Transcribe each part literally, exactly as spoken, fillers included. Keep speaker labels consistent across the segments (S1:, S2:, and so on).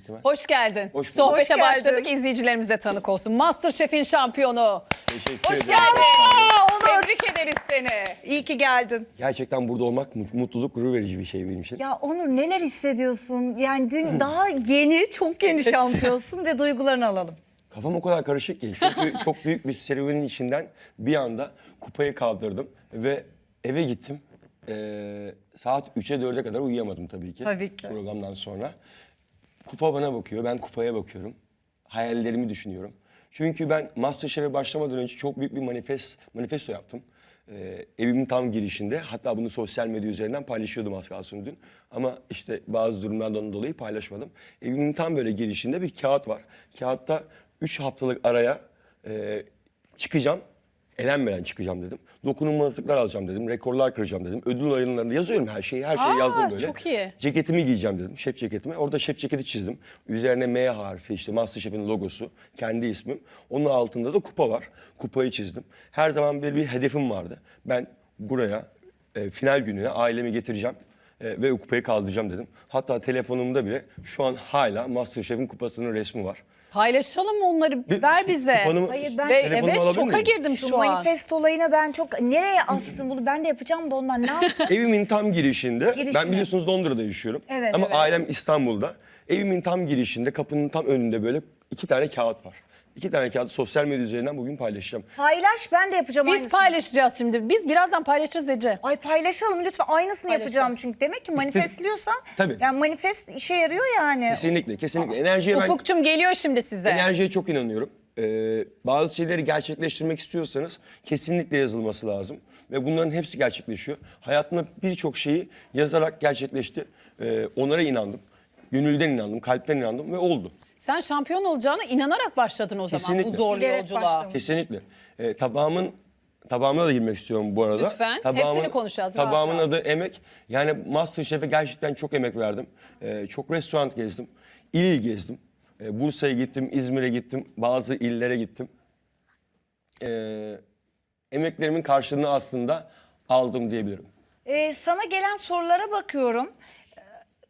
S1: ihtimal.
S2: Hoş geldin.
S1: Hoş bulduk.
S2: Sohbete
S3: Hoş geldin.
S2: başladık. İzleyicilerimiz de tanık olsun. MasterChef'in şampiyonu.
S1: Teşekkür
S2: Hoş
S1: ederim.
S2: geldin.
S3: Aa, Onur.
S2: Tebrik ederiz seni.
S3: İyi ki geldin.
S1: Gerçekten burada olmak mu- mutluluk, gurur verici bir şey benim için.
S3: Ya Onur neler hissediyorsun? Yani dün daha yeni, çok yeni şampiyonsun ve duygularını alalım.
S1: Kafam o kadar karışık ki. Çünkü çok büyük bir serüvenin içinden bir anda kupayı kaldırdım ve eve gittim. Ee, saat üçe dörde kadar uyuyamadım tabii ki.
S3: Tabii ki.
S1: Programdan sonra. Kupa bana bakıyor, ben kupaya bakıyorum. Hayallerimi düşünüyorum. Çünkü ben MasterChef'e başlamadan önce çok büyük bir manifest, manifesto yaptım. Ee, evimin tam girişinde. Hatta bunu sosyal medya üzerinden paylaşıyordum az kalsın dün. Ama işte bazı durumlardan dolayı paylaşmadım. Evimin tam böyle girişinde bir kağıt var. Kağıtta üç haftalık araya e, çıkacağım. Elenmeden çıkacağım dedim. Dokunulmazlıklar alacağım dedim. Rekorlar kıracağım dedim. Ödül ayınlarında yazıyorum her şeyi. Her şeyi
S2: Aa,
S1: yazdım böyle.
S2: çok iyi.
S1: Ceketimi giyeceğim dedim. Şef ceketimi. Orada şef ceketi çizdim. Üzerine M harfi, işte MasterChef'in logosu. Kendi ismim. Onun altında da kupa var. Kupayı çizdim. Her zaman böyle bir hedefim vardı. Ben buraya e, final gününe ailemi getireceğim. e, ve o kupayı kaldıracağım dedim. Hatta telefonumda bile şu an hala MasterChef'in kupasının resmi var.
S2: Paylaşalım onları.
S1: Bir-
S2: Ver bize.
S1: kupanımı-
S3: Hayır, ben-
S2: Ve
S1: telefonumu
S2: evet
S1: alabilir
S2: şoka
S1: miyim?
S2: girdim
S3: Şu
S2: şu an.
S3: manifest olayına ben çok... Nereye astın bunu? Ben de yapacağım da ondan. Ne yaptın?
S1: Evimin tam girişinde,
S3: Girişine.
S1: ben biliyorsunuz Londra'da yaşıyorum.
S3: Evet,
S1: Ama
S3: evet.
S1: ailem İstanbul'da. Evimin tam girişinde, kapının tam önünde böyle iki tane kağıt var. İki tane kağıdı sosyal medya üzerinden bugün paylaşacağım.
S3: Paylaş, ben de yapacağım
S2: Biz
S3: aynısını.
S2: paylaşacağız şimdi. Biz birazdan paylaşırız Ece.
S3: Ay paylaşalım lütfen. Aynısını
S2: Paylaşacağız.
S3: yapacağım çünkü. Demek ki manifestliyorsan...
S1: Tabii.
S3: Yani manifest işe yarıyor yani.
S1: Kesinlikle, kesinlikle. Enerjiye ben
S2: Ufukçum geliyor şimdi size.
S1: enerjiye çok inanıyorum. Ee, bazı şeyleri gerçekleştirmek istiyorsanız kesinlikle yazılması lazım. Ve bunların hepsi gerçekleşiyor. Hayatımda birçok şeyi yazarak gerçekleşti. Ee, onlara inandım. Gönülden inandım, kalpten inandım ve oldu.
S2: Sen şampiyon olacağına inanarak başladın o zaman
S1: Kesinlikle.
S2: bu zorlu
S3: Bilerek
S2: yolculuğa.
S3: başladım.
S1: Kesinlikle. Ee, tabağımın tabağımına da girmek istiyorum bu arada.
S2: Lütfen.
S1: Tabağımın,
S2: Hepsini konuşacağız, rahat
S1: Tabağımın
S2: rahat.
S1: adı Emek. Yani MasterChef'e gerçekten çok emek verdim. Ee, çok restoran gezdim. İl il gezdim. Ee, Bursa'ya gittim, İzmir'e gittim. Bazı illere gittim. Ee, emeklerimin karşılığını aslında aldım diyebilirim.
S3: Ee, sana gelen sorulara bakıyorum. Ee,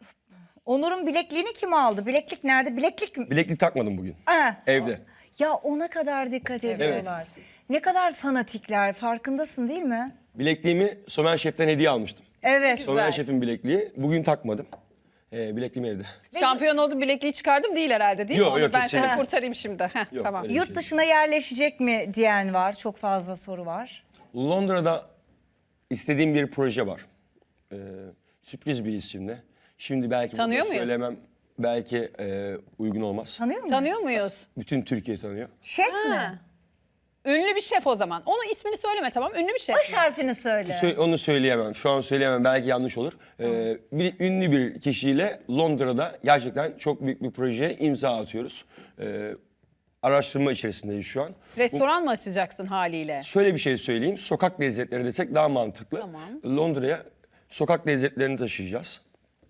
S3: Onur'un bilekliğini kim aldı? Bileklik nerede? Bileklik mi?
S1: Bileklik takmadım bugün.
S3: Ha.
S1: Evde.
S3: Ya ona kadar dikkat ediyorlar. Ne kadar fanatikler, farkındasın değil mi?
S1: Bilekliğimi Somer Şef'ten hediye almıştım.
S3: Evet.
S1: Somer Şef'in bilekliği. Bugün takmadım. Ee, bilekliğim evde.
S2: Şampiyon oldum, bilekliği çıkardım değil herhalde değil
S1: Yok,
S2: mi? Onu
S1: yok,
S2: ben seni
S1: kesinlikle.
S2: kurtarayım şimdi. Heh,
S1: Yok,
S2: tamam.
S1: öyle.
S3: Yurt dışına yerleşecek mi diyen var. Çok fazla soru var.
S1: Londra'da istediğim bir proje var. Ee, sürpriz bir isimle. Şimdi belki bunu
S2: Tanıyor muyuz?
S1: söylemem belki e, uygun olmaz.
S3: Tanıyor musun?
S2: Tanıyor muyuz?
S1: Bütün Türkiye tanıyor.
S3: Şef
S2: Ha.
S3: mi?
S2: Ünlü bir şef o zaman. Onun ismini söyleme tamam. Ünlü bir şef.
S3: Baş harfini söyle.
S1: Sö- onu söyleyemem. Şu an söyleyemem. Belki yanlış olur. Ee, bir ünlü bir kişiyle Londra'da gerçekten çok büyük bir projeye imza atıyoruz. Ee, araştırma içerisindeyiz şu an.
S2: Restoran mı açacaksın haliyle?
S1: Şöyle bir şey söyleyeyim. Sokak lezzetleri desek daha mantıklı.
S2: Tamam.
S1: Londra'ya sokak lezzetlerini taşıyacağız.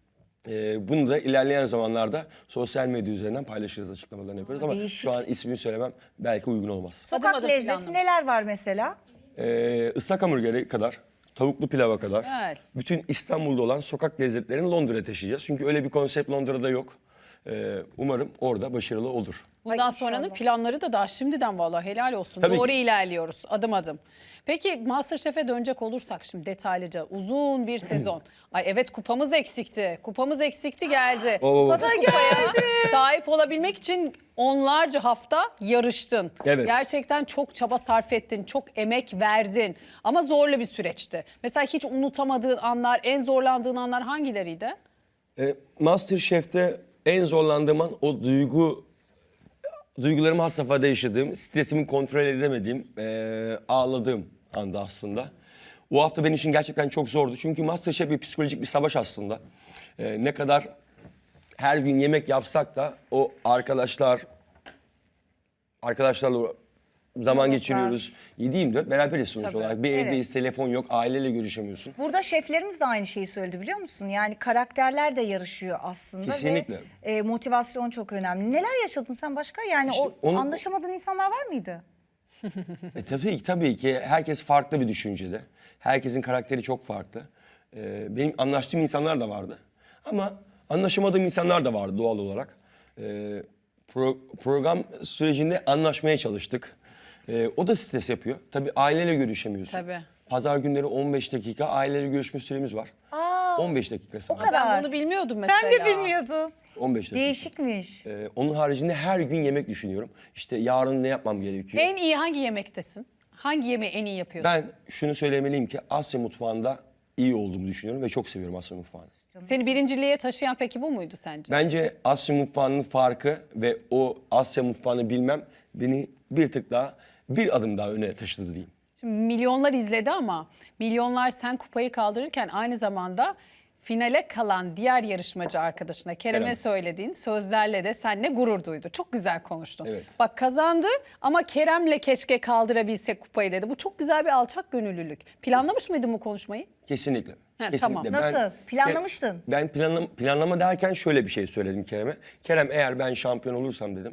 S1: Ee, bunu da ilerleyen zamanlarda sosyal medya üzerinden paylaşırız, açıklamalarını yaparız. Ama
S3: değişik.
S1: şu an ismini söylemem belki uygun olmaz.
S3: Sokak
S2: Adım adım
S3: lezzeti
S2: planlamış.
S3: neler var mesela?
S1: Ee, ıslak hamburgeri kadar, tavuklu pilava kadar,
S2: Güzel.
S1: bütün İstanbul'da olan sokak lezzetlerini Londra'ya taşıyacağız. Çünkü öyle bir konsept Londra'da yok. Ee, umarım orada başarılı olur.
S2: Bundan
S3: Ay,
S2: sonranın
S3: inşallah.
S2: planları da daha şimdiden vallahi helal olsun.
S1: Tabii
S2: Doğru
S1: ki.
S2: ilerliyoruz adım adım. Peki MasterChef'e dönecek olursak şimdi detaylıca uzun bir sezon. Ay evet kupamız eksikti. Kupamız eksikti geldi.
S1: Oo.
S2: Bu kupaya sahip olabilmek için onlarca hafta yarıştın.
S1: Evet.
S2: Gerçekten çok çaba sarf ettin, çok emek verdin. Ama zorlu bir süreçti. Mesela hiç unutamadığın anlar, en zorlandığın anlar hangileriydi?
S1: Ee, MasterChef'te en zorlandığım an o duygu duygularımı has safhada yaşadığım, stresimi kontrol edemediğim, eee, ağladığım anda aslında. O hafta benim için gerçekten çok zordu. Çünkü MasterChef bir psikolojik bir savaş aslında. Eee, ne kadar her gün yemek yapsak da o arkadaşlar, arkadaşlarla zaman geçiriyoruz. yedi yirmi dört beraberiz sonuç
S2: Tabii.
S1: olarak. Bir
S3: Evet.
S1: evdeyiz, telefon yok, aileyle görüşemiyorsun.
S3: Burada şeflerimiz de aynı şeyi söyledi biliyor musun? Yani karakterler de yarışıyor aslında.
S1: Kesinlikle.
S3: Ve e, motivasyon çok önemli. Neler yaşadın sen başka? Yani
S1: İşte
S3: o
S1: onu-
S3: anlaşamadığın insanlar var mıydı?
S1: E, tabii ki tabii ki herkes farklı bir düşüncede. Herkesin karakteri çok farklı. E, benim anlaştığım insanlar da vardı. Ama anlaşamadığım insanlar da vardı doğal olarak. E, pro- program sürecinde anlaşmaya çalıştık. E, o da stres yapıyor. Tabii aileyle görüşemiyorsun.
S2: Tabii.
S1: Pazar günleri on beş dakika aileyle görüşme süremiz var.
S3: Aa,
S1: on beş dakika sadece.
S3: kadar.
S2: Ben bunu bilmiyordum mesela.
S3: ben de bilmiyordum.
S1: on beş dakika.
S3: Değişikmiş.
S1: Ee, onun haricinde her gün yemek düşünüyorum. İşte yarın ne yapmam gerekiyor?
S2: En iyi hangi yemektesin? Hangi yemeği en iyi yapıyorsun?
S1: Ben şunu söylemeliyim ki Asya mutfağında iyi olduğumu düşünüyorum ve çok seviyorum Asya mutfağını.
S2: Seni birinciliğe taşıyan peki bu muydu sence?
S1: Bence Asya mutfağının farkı ve o Asya mutfağını bilmem beni bir tık daha, bir adım daha öne taşıdı diyeyim.
S2: Şimdi milyonlar izledi ama milyonlar sen kupayı kaldırırken aynı zamanda finale kalan diğer yarışmacı arkadaşına Kerem'e
S1: Kerem.
S2: söylediğin sözlerle de seninle gurur duydu. Çok güzel konuştun.
S1: Evet.
S2: Bak kazandı ama Kerem'le keşke kaldırabilsek kupayı dedi. Bu çok güzel bir alçak gönüllülük. Planlamış mıydın bu konuşmayı?
S1: Kesinlikle.
S2: Ha,
S1: Kesinlikle.
S2: tamam.
S3: Nasıl? Planlamıştın.
S1: Ben planlama, planlama derken şöyle bir şey söyledim Kerem'e. Kerem eğer ben şampiyon olursam dedim.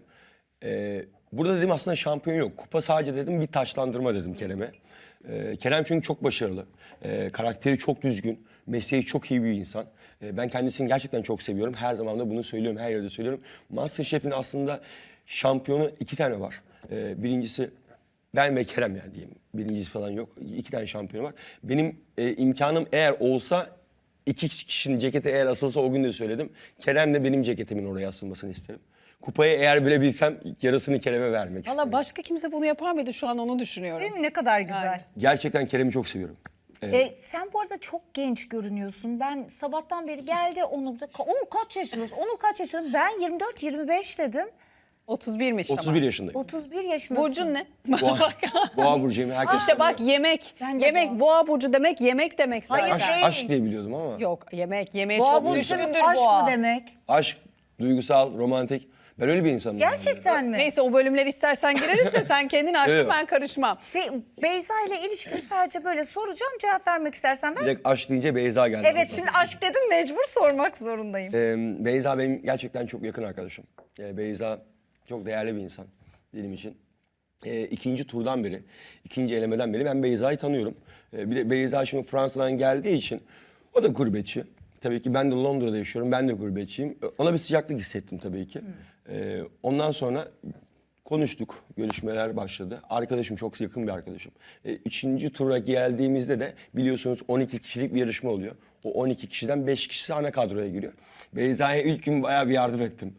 S1: e, burada dedim aslında şampiyon yok. Kupa sadece dedim bir taçlandırma dedim Kerem'e. E, Kerem çünkü çok başarılı. E, karakteri çok düzgün. Mesleği çok iyi bir insan. E, ben kendisini gerçekten çok seviyorum. Her zaman da bunu söylüyorum. Her yerde söylüyorum. MasterChef'in aslında şampiyonu iki tane var. E, birincisi ben ve Kerem yani diyeyim. Birincisi falan yok. İki tane şampiyonu var. Benim e, imkanım eğer olsa iki kişinin ceketi eğer asılsa o gün de söyledim. Kerem de benim ceketimin oraya asılmasını isterim. Kupayı eğer bilebilsem yarısını Kerem'e vermek isterim.
S2: Valla başka kimse bunu yapar mıydı şu an onu düşünüyorum.
S3: Değil mi? Ne kadar güzel.
S2: Yani.
S1: Gerçekten Kerem'i çok seviyorum.
S3: E, sen bu arada çok genç görünüyorsun. Ben sabahtan beri geldi Onur da. Onur kaç yaşındasın? Onur kaç yaşında? Ben yirmi dört yirmi beş dedim.
S2: otuz birmiş ama.
S1: otuz bir yaşındayım.
S3: otuz bir yaşındasın.
S2: Burcun ne?
S1: Boğa, Boğa burcuyum. Herkes
S2: İşte bak yemek.
S3: Ben de
S2: Yemek
S3: boğa.
S2: boğa burcu demek yemek demek zaten.
S3: Hayır,
S1: aşk,
S3: değil.
S1: aşk diye biliyordum ama.
S2: Yok yemek yemeğe
S3: Boğa
S2: çok
S3: burcu
S2: düşkündür
S3: aşk
S2: boğa.
S3: mı demek?
S1: Aşk, duygusal, romantik. Ben öyle bir insanım.
S3: Gerçekten mi?
S2: Neyse o bölümler istersen gireriz de sen kendin açtın
S1: Evet.
S2: ben karışmam.
S3: Se- Beyza ile ilişkini sadece böyle soracağım, cevap vermek istersen. Ben...
S1: Direkt aşk deyince Beyza geldi.
S3: Evet, şimdi aşk dedin, mecbur sormak zorundayım.
S1: Ee, Beyza benim gerçekten çok yakın arkadaşım. Ee, Beyza çok değerli bir insan benim için. Ee, ikinci turdan beri, ikinci elemeden beri ben Beyza'yı tanıyorum. Ee, bir de Beyza şimdi Fransa'dan geldiği için o da gurbetçi. Tabii ki ben de Londra'da yaşıyorum, ben de gurbetçiyim. Ona bir sıcaklık hissettim tabii ki. Ee, ondan sonra konuştuk, görüşmeler başladı. Arkadaşım, çok yakın bir arkadaşım. Ee, üçüncü tura geldiğimizde de biliyorsunuz on iki kişilik bir yarışma oluyor. O on iki kişiden beş kişisi ana kadroya giriyor. Beyza'ya ilk gün bayağı bir yardım ettim.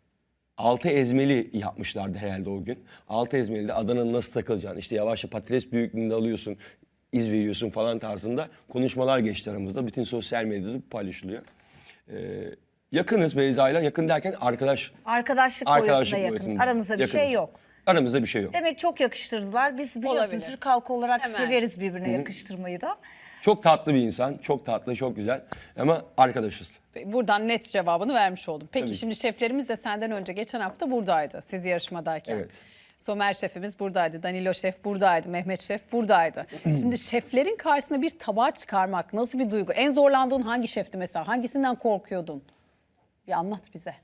S1: Altı ezmeli yapmışlardı herhalde o gün. Altı ezmeli de Adana'nın nasıl takılacağını, işte yavaşça patates büyüklüğünde alıyorsun, iz veriyorsun falan tarzında konuşmalar geçti aramızda. Bütün sosyal medyada paylaşılıyor. Ee, yakınız Beyza'yla, yakın derken arkadaş.
S3: Arkadaşlık,
S1: Arkadaşlık
S3: boyutuna yakın.
S1: boyutunda.
S3: Aramızda bir
S1: Yakınız.
S3: şey yok.
S1: Aramızda bir şey yok.
S3: Demek çok yakıştırdılar. Biz biliyorsun
S2: Olabilir.
S3: Türk halkı olarak
S2: Hemen.
S3: severiz birbirine yakıştırmayı da.
S1: Çok tatlı bir insan, çok tatlı, çok güzel ama arkadaşız.
S2: Buradan net cevabını vermiş oldum. Peki
S1: Tabii.
S2: şimdi şeflerimiz de senden önce geçen hafta buradaydı siz yarışmadayken.
S1: Evet.
S2: Somer şefimiz buradaydı, Danilo şef buradaydı, Mehmet şef buradaydı. Şimdi şeflerin karşısına bir tabağı çıkarmak nasıl bir duygu? En zorlandığın hangi şefti mesela? Hangisinden korkuyordun? Bir anlat bize.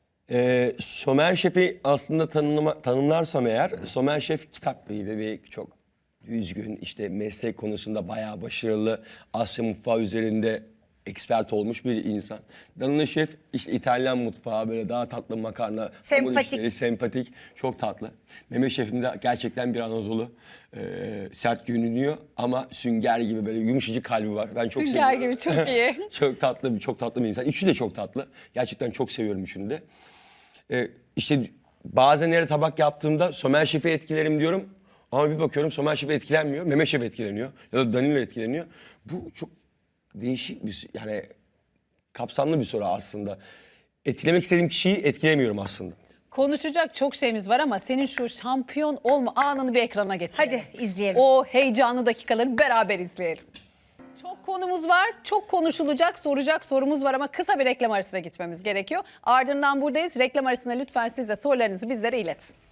S1: Ee, Somer Şef'i aslında tanımlama, tanımlarsam eğer, Somer Şef kitap gibi bir çok düzgün, işte meslek konusunda bayağı başarılı, Asya mutfağı üzerinde expert olmuş bir insan. Danilo Şef işte İtalyan mutfağı, böyle daha tatlı makarna, hamur
S3: Sempatik.
S1: işleri, sempatik, çok tatlı. Mehmet Şef'im de gerçekten bir Anadolu, e, sert görünüyor ama sünger gibi böyle yumuşacık kalbi var. Ben çok
S2: Sünger
S1: seviyorum.
S2: gibi çok iyi.
S1: Çok tatlı, bir çok tatlı bir insan. Üçü de çok tatlı. Gerçekten çok seviyorum üçünü de. Ee, işte bazen nerede tabak yaptığımda Somer Şef'i etkilerim diyorum. Ama bir bakıyorum Somer Şef etkilenmiyor. Mehmet Şef etkileniyor. Ya da Danilo etkileniyor. Bu çok değişik bir, yani kapsamlı bir soru aslında. Etkilemek istediğim kişiyi etkilemiyorum aslında.
S2: Konuşacak çok şeyimiz var ama senin şu şampiyon olma anını bir ekrana getirelim.
S3: Hadi izleyelim.
S2: O heyecanlı dakikaları beraber izleyelim. Çok konumuz var, çok konuşulacak, soracak sorumuz var ama kısa bir reklam arasına gitmemiz gerekiyor. Ardından buradayız. Reklam arasında lütfen siz de sorularınızı bizlere iletin.